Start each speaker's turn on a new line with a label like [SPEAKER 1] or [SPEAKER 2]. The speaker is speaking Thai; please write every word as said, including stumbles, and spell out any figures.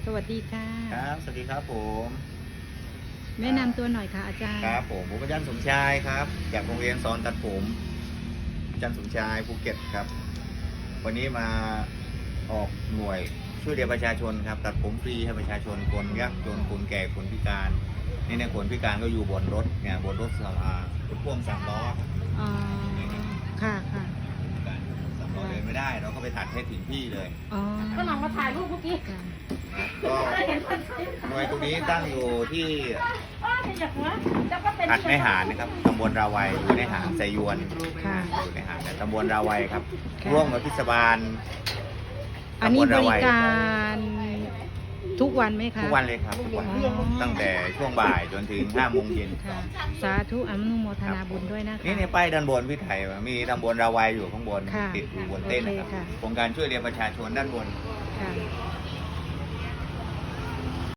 [SPEAKER 1] สวัสดีค่ะ
[SPEAKER 2] ครับสวัสดีครับผม
[SPEAKER 1] แนะนำตัวหน่อยค่ะอาจารย์
[SPEAKER 2] ครับผมผมอาจารย์สมชายครับจากโรงเรียนสอนตัดผมอาจารย์สมชายภูเก็ตครับวันนี้มาออกหน่วยช่วยเหลือประชาชนครับตัดผมฟรีให้ประชาชนคนยากจนคนแก่คนพิการนี่เนี่ยคนพิการก็อยู่บนรถเนี่ยบนรถสามอ่ารถพ่วงสามล้อ
[SPEAKER 1] อ๋อค่ะค่ะ
[SPEAKER 2] สามล้อเดินไม่ได้เราก็ไปตัดให้ถึงที่เลย
[SPEAKER 1] อ๋อ
[SPEAKER 3] ก็ลองมาถ่ายรูปเมื่อกี้
[SPEAKER 1] ค่ะ
[SPEAKER 2] ก็หน่วยตรงนี้ตั้งอยู่ที่
[SPEAKER 3] หั
[SPEAKER 2] หัดในหาดนะครับตำบลราวัยอยู่ในหาดไซยวน
[SPEAKER 1] ค่ะ
[SPEAKER 2] อยู่ในหาดตำบลราวัยครับ
[SPEAKER 1] ค่ะ
[SPEAKER 2] ร่วมกับเทศบาล
[SPEAKER 1] อันนี้
[SPEAKER 2] ตำล
[SPEAKER 1] บ
[SPEAKER 2] รา
[SPEAKER 1] ริ
[SPEAKER 2] วัย
[SPEAKER 1] การทุกวันไหมคะ
[SPEAKER 2] ทุกวันเลยครับทุกวัน
[SPEAKER 1] อ๋อ
[SPEAKER 2] ตั้งแต่ช่วงบ่ายจนถึงห้าโมงเย็น
[SPEAKER 1] ค่ะ สาธุอนุโมทนาบุญด้วยนะคะ
[SPEAKER 2] นี่ในป้ายด้านบนพี่ไทยมีตำบลราวัยอยู่ข้างบน
[SPEAKER 1] ค่ะ
[SPEAKER 2] ติดอยู่บนเต้นนะครับ
[SPEAKER 1] โอเคค่ะ
[SPEAKER 2] โครงการช่วยเหลือประชาชนด้านบน
[SPEAKER 1] ค่ะ